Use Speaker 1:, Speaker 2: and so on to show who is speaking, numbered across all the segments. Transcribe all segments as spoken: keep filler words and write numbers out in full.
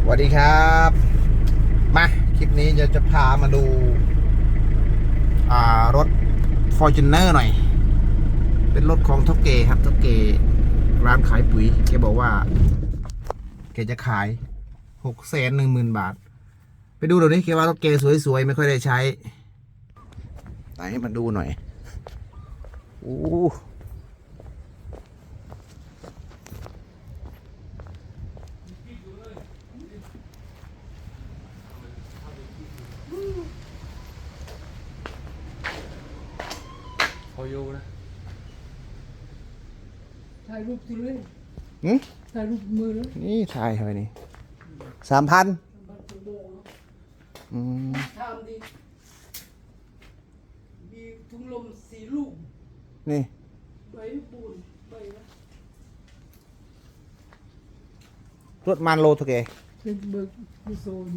Speaker 1: วัสดีครับมาคลิปนี้จะจะพามาดูอ่ารถ Fortuner หน่อยเป็นรถของท็อปเกครับท็อปเกร้านขายปุ๋ยแกบอกว่าแกจะขายหกแสนหนึ่งหมื่นบาทไปดูเดี๋ยวนี้แกว่ารถเกสวยๆไม่ค่อยได้ใช้ไหนให้มาดูหน่อยโอ้
Speaker 2: พอโยนะ
Speaker 3: ถ่ายรูปสิเลย
Speaker 1: หืม
Speaker 3: ถ่ายรูปมือเลย
Speaker 1: นี่ถ่ายทำไมนี่สามพัน
Speaker 3: บัตรโบก
Speaker 1: อืม
Speaker 3: ทำดีมีถุงลมสีลูก
Speaker 1: นี่
Speaker 3: ใบปูนใบละ
Speaker 1: รถมันโลเท่าแก
Speaker 3: เป็นเบิกกุโซน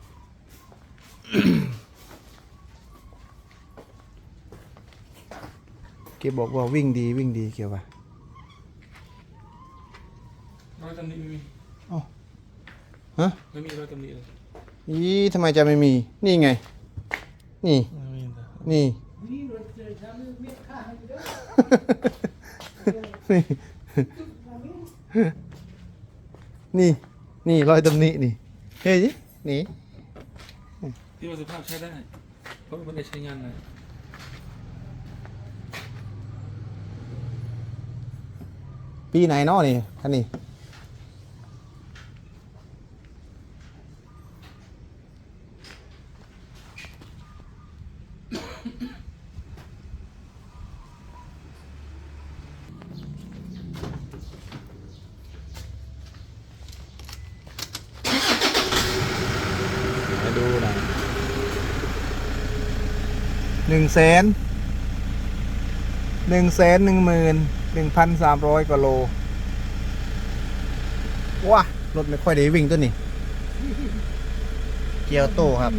Speaker 1: แกบอกว่าวิ่งดีวิ่งดีเกี่ยวว่ะ
Speaker 2: รอยตำหนิไม่มี
Speaker 1: อ๋อฮะ
Speaker 2: ไม่มีรอยตำหนิเลย
Speaker 1: อีทำไมจะไม่มี นี่ไง นี่
Speaker 2: ไม่มีแต่
Speaker 1: นี่
Speaker 3: นี่รถเจอทำเม็ดข้าให้เด้อ
Speaker 1: นี่ นี่ นี่รอยตำหนินี่ เฮ้ยนี่
Speaker 2: ที่ว่าสภาพใช้ได้เพราะไม่ได้ใช้งานเลย
Speaker 1: ปีไหนเนาะนี่ท่านนี่มาดูหน่อยหนึ่งแสนหนึ่งแสนหนึ่งหมื่นหนึ่งพันสามร้อยกว่าโลว้ารถไม่ค่อยได้วิ่งตัวนี้เกียวโตครับ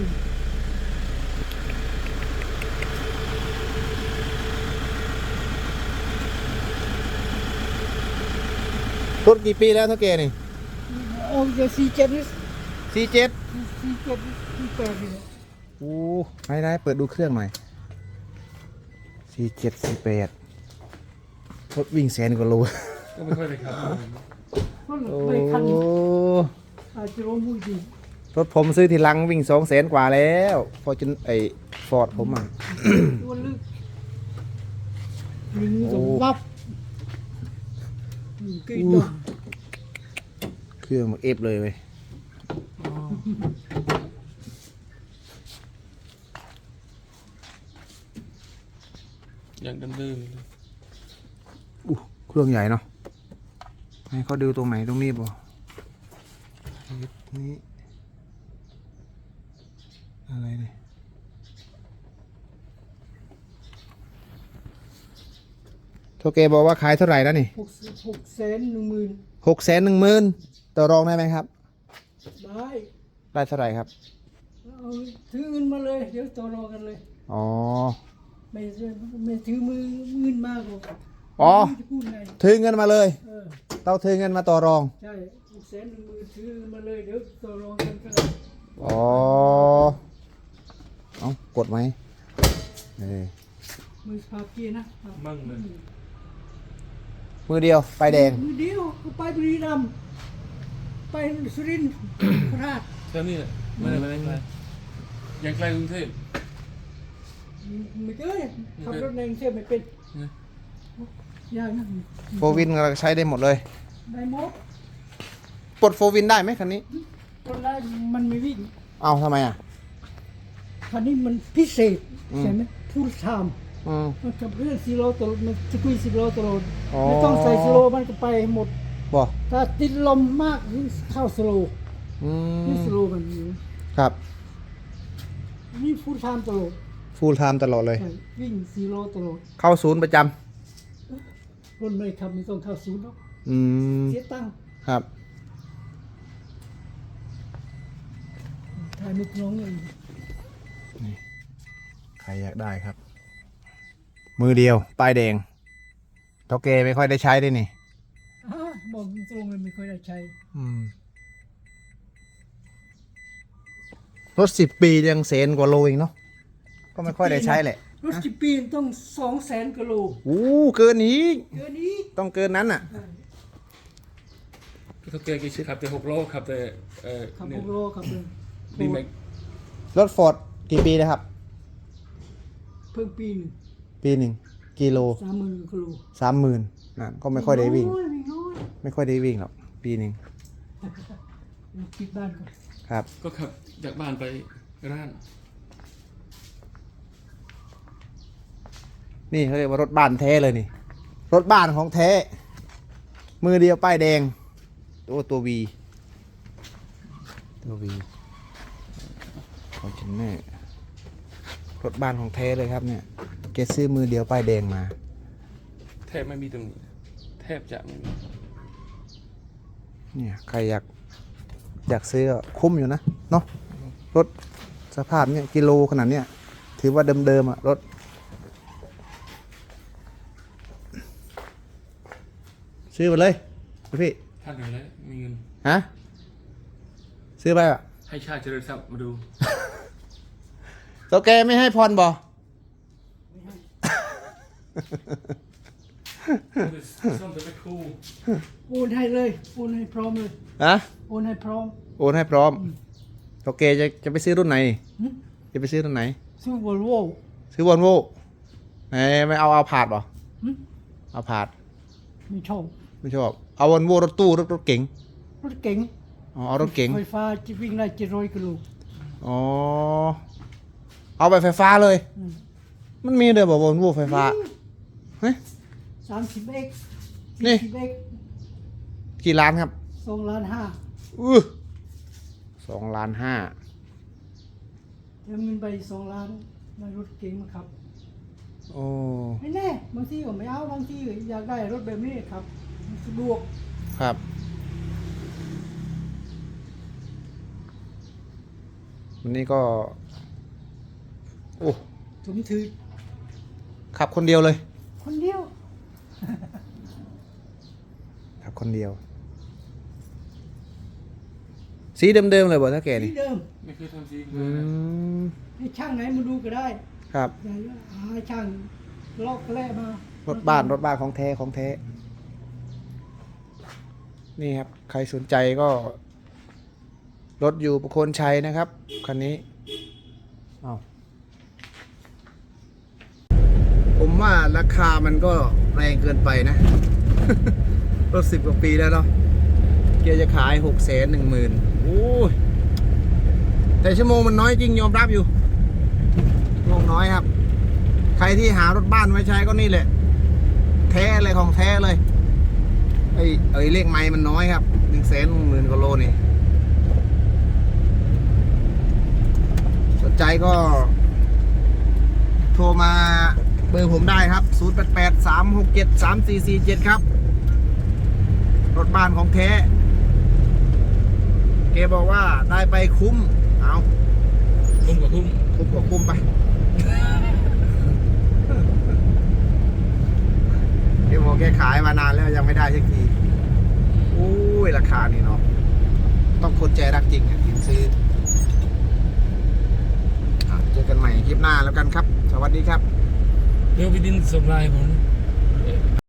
Speaker 1: รถกี่ปีแล้วเท่าแกนี่
Speaker 3: โอ้ยสี่เจ็ดนี่
Speaker 1: สี่เจ็ด
Speaker 3: สี่เจ็ดสี่แปดนี่
Speaker 1: โอ้ได้ได้เปิดดูเครื่องหน่อยสี่เจ็ดสี่แปดรถวิ่งแสนกว่าโล
Speaker 2: ก็ไม่ค่อยได้ขับ
Speaker 3: มัน
Speaker 1: โอ้
Speaker 3: ไปคันอาจจะรู้มุ้ยดี
Speaker 1: รถผมซื้อทีหลังวิ่งสองแสนกว่าแล้วพอจนไอ้ฟอร์ดผมอ่ะ
Speaker 3: ตัวลึกยิงสมวับกี่ดอก
Speaker 1: เครื่องมันเอฟเลยเว้ย
Speaker 2: อย่างเดิมๆเลย
Speaker 1: อู้เครื่องใหญ่เนาะให้เขาดูตรงไหนตรงนี้บ่นี่อะไรเนี่ยโทเกบอกว่าขายเท่าไหร่แล้วนี่
Speaker 3: หกสิบหกแสนหนึ่งหมื่น
Speaker 1: หกแสนหนึ่งหมื่นต่อรองได้ไหมครับ
Speaker 3: ได้
Speaker 1: ได้เท่าไหร่ครับ
Speaker 3: เอาถือเงินมาเลยเดี๋ยวต่อรองกันเลย
Speaker 1: อ๋อ
Speaker 3: ไม่ไม่ถือมือเงินมากกว่า
Speaker 1: อ๋อ
Speaker 3: จะพูดไง
Speaker 1: ถือเงินมาเลย
Speaker 3: เออ
Speaker 1: เราถือเงินมาต่อรอง
Speaker 3: ใช่หกแสนหนึ่งหมื่นถือมาเลยเดี๋ยวต่อรองกันก็
Speaker 1: อ๋อ เอากดไหมเออ
Speaker 3: มือสภาพกี้นะ
Speaker 2: มั่งเลย
Speaker 1: มือเดียวไฟแดง
Speaker 3: มือเดียวก็ไปบุรีรัมย์ไปสุรินทร์โคราช
Speaker 2: แค่นี้แหละไม่ได้ไม่ได้ไกลยังไกลกรุงเทพ
Speaker 3: ไม่เคยขับรถในกรุงเทพไม่เป็น
Speaker 2: นะ
Speaker 3: ยากนะ
Speaker 1: โฟวินเราใช้ได้หมดเลย
Speaker 3: ได้หมด
Speaker 1: ปลดโฟวินได้ไหมคันนี้
Speaker 3: คนได้มันไม่วิ่ง
Speaker 1: เอาทำไมอ่ะ
Speaker 3: คันนี้มันพิเศษ
Speaker 1: อืม
Speaker 3: ใช่ไหมพูดทาม
Speaker 1: อืม
Speaker 3: มันกับเรื่องซีโร่ตลอดมันจะคุยซีโร่ตลอด
Speaker 1: อ๋อ
Speaker 3: ไม่ต้องใส่ซีโร่มันก็ไปหมด
Speaker 1: บ่
Speaker 3: ถ้าติดลมมากนี่เข้าสโลว์
Speaker 1: อื
Speaker 3: นี่
Speaker 1: ม
Speaker 3: สโลว์มันอยู่
Speaker 1: ครับ
Speaker 3: นี่ฟูลไทม์ตลอด
Speaker 1: ฟูลไทม์ตลอดเลย
Speaker 3: ใช่วิ่งซีโร่ตลอด
Speaker 1: เข้าศูนย์ประจ
Speaker 3: รถไม่ขับไม่ต้องเข้าศูนย์หรอก
Speaker 1: ำอืม
Speaker 3: เสียตังค์
Speaker 1: ครับ
Speaker 3: ถ่ายมุกน้องเลย
Speaker 1: ใครอยากได้ครับ มือเดียว ป้ายแดงเท่าแกไม่ค่อยได้ใช้ด้วยนี่
Speaker 3: อ่าบอกตรงๆเลยไม่ค่อยได้ใช้
Speaker 1: อืมรถสิบปียังแสนกว่าโลเองเนาะก็ไม่ค่อยได้ใช้แหละ
Speaker 3: รถสิบปีต้องสองแสนกิโล
Speaker 1: อู้เกินนี้
Speaker 3: เกินนี้
Speaker 1: ต้องเกินนั้นอ่ะ
Speaker 2: พี่เขาเกย์กี่ขับแต่หกล้อขับแต่เอ่อ
Speaker 3: ขับ
Speaker 2: เนี่
Speaker 3: ห
Speaker 2: ย
Speaker 3: กโลขับเลย
Speaker 2: ดีแม็ก
Speaker 1: รถฟอร์ดกี่ปีนะครับ
Speaker 3: เพิ่งปีหนึ่ง
Speaker 1: ปีหนึ่งกิโล
Speaker 3: สามหมื่นกิโล
Speaker 1: สามหมื่นนะก็ไม่ค่อยได้วิ่ง
Speaker 3: น้อยไม่น้อย
Speaker 1: ไม่ค่อยได้วิ่งหรอกปีหนึ่ง
Speaker 3: เดี๋ยวปิดบ้านก่อน
Speaker 1: ครับ
Speaker 2: ก็ขับจากบ้านไปร้าน
Speaker 1: นี่เขาเรียกว่ารถบ้านแท้เลยนี่ รถบ้านของแท้ มือเดียวป้ายแดงตัวตัววีตัววีฟอร์จูเนอร์รถบ้านของแท้เลยครับเนี่ยเกซื้อมือเดียวป้ายแดงมา
Speaker 2: แทบไม่มีตรงนี้แทบจะไม่มี
Speaker 1: เนี่ยใครอยากอยากซื้อก็คุ้มอยู่นะเนาะรถสภาพเนี่ยกิโลขนาดเนี้ยถือว่าเดิมๆอะรถซื้อมาเลยพี่
Speaker 2: ท่านหนึ่งแล้วมีเงิน
Speaker 1: ฮะซื้อไปอ่ะ
Speaker 2: ให้ชาติเจริญทรัพย์มาดู
Speaker 1: ตัวแกไม่ให้พรบอ
Speaker 2: ส้มจะไม่คู่
Speaker 3: โอนให้เลยโอนให้พร้อมเลย
Speaker 1: ฮะ
Speaker 3: โอนให้พร้อม
Speaker 1: โอนให้พร้อมตัวแกจะจะไปซื้อรุ่นไหน
Speaker 3: หึ
Speaker 1: จะไปซื้อรุ่นไหน
Speaker 3: ซื้อวอลโว่
Speaker 1: ซื้อวอลโว่ไหนไม่เอาเอาผาดบอ
Speaker 3: หึ
Speaker 1: เอาผาด
Speaker 3: ไม่ชอบ
Speaker 1: ไม่ชอบเอาวอลโว่รถตู้รถรถเก๋ง
Speaker 3: รถเก๋ง
Speaker 1: อ๋อเอารถเก๋ง
Speaker 3: ไฟฟ้าจะวิ่งได้เจ็ดร้อยกิโล
Speaker 1: อ๋อเอาไปไฟฟ้าเลย
Speaker 3: อืม
Speaker 1: มันมีเด้อบอกวอลโว่ไฟฟ้าเฮ้ย
Speaker 3: สามสิบเอ็ก
Speaker 1: นี่
Speaker 3: สิบเอ็ก
Speaker 1: กี่ล้านครับ
Speaker 3: สองล้านห้า
Speaker 1: อือสองล้านห้า
Speaker 3: เดี๋ยวมันไปสองล้านในรถเก๋งมาครับ
Speaker 1: โอ้
Speaker 3: ไม่แน่บางทีก็ไม่เอาบางทีก็อยากได้รถแบบนี้ครับมันสะดวก
Speaker 1: ครับวันนี้ก็โอ้
Speaker 3: ผมถือ
Speaker 1: ขับคนเดียวเลย
Speaker 3: คนเดียว
Speaker 1: ขับคนเดียว สีเดิมๆเลยบอกถ้าแก
Speaker 3: ที่
Speaker 1: นี่
Speaker 3: เดิม
Speaker 2: ไม่เคยทำจริงเล
Speaker 1: อื
Speaker 2: ยนะ
Speaker 1: ม
Speaker 3: ให้ช่างไหนมาดูก็ได้
Speaker 1: ครับ
Speaker 3: อย่าหาช่างลอกแร่มาร
Speaker 1: ถบ้านรถบ้านของแท้ของแท้ นี่ครับ ใครสนใจก็ รถอยู่ประโคนชัยนะครับ คันนี้อ้าวผมว่าราคามันก็แรงเกินไปนะ รถสิบกว่าปีแล้วเนาะเกียร์จะขายหกแสนหนึ่งหมื่นโอ้ยแต่ชั่วโมงมันน้อยจริงยอมรับอยู่ชั่วโมงน้อยครับ ใครที่หารถบ้านไว้ใช้ก็นี่แหละ แท้เลยของแท้เลยไอ้ไอ้เลขไม้มันน้อยครับหนึ่งแสนหมื่นกว่าโลนี่สนใจก็โทรมาเบอร์ผมได้ครับศูนย์ แปด แปด สาม หก เจ็ด สาม สี่ สี่ เจ็ดครับรถบ้านของแท้เกบอกว่าได้ไปคุ้มเอา
Speaker 2: คุ้มกว่าคุ้ม
Speaker 1: คุ้มก็คุ้มไปเกบอกแกขายมานานแล้วยังไม่ได้สักทีโอ้ยราคานี่เนาะต้องคนใจรักจริงอ่ะถึงซื้ออ่ะเจอกันใหม่คลิปหน้าแล้วกันครับ สวัสดีครับ
Speaker 2: เดี๋ยวพี่ดินส่งไลน์ผมเอ่อ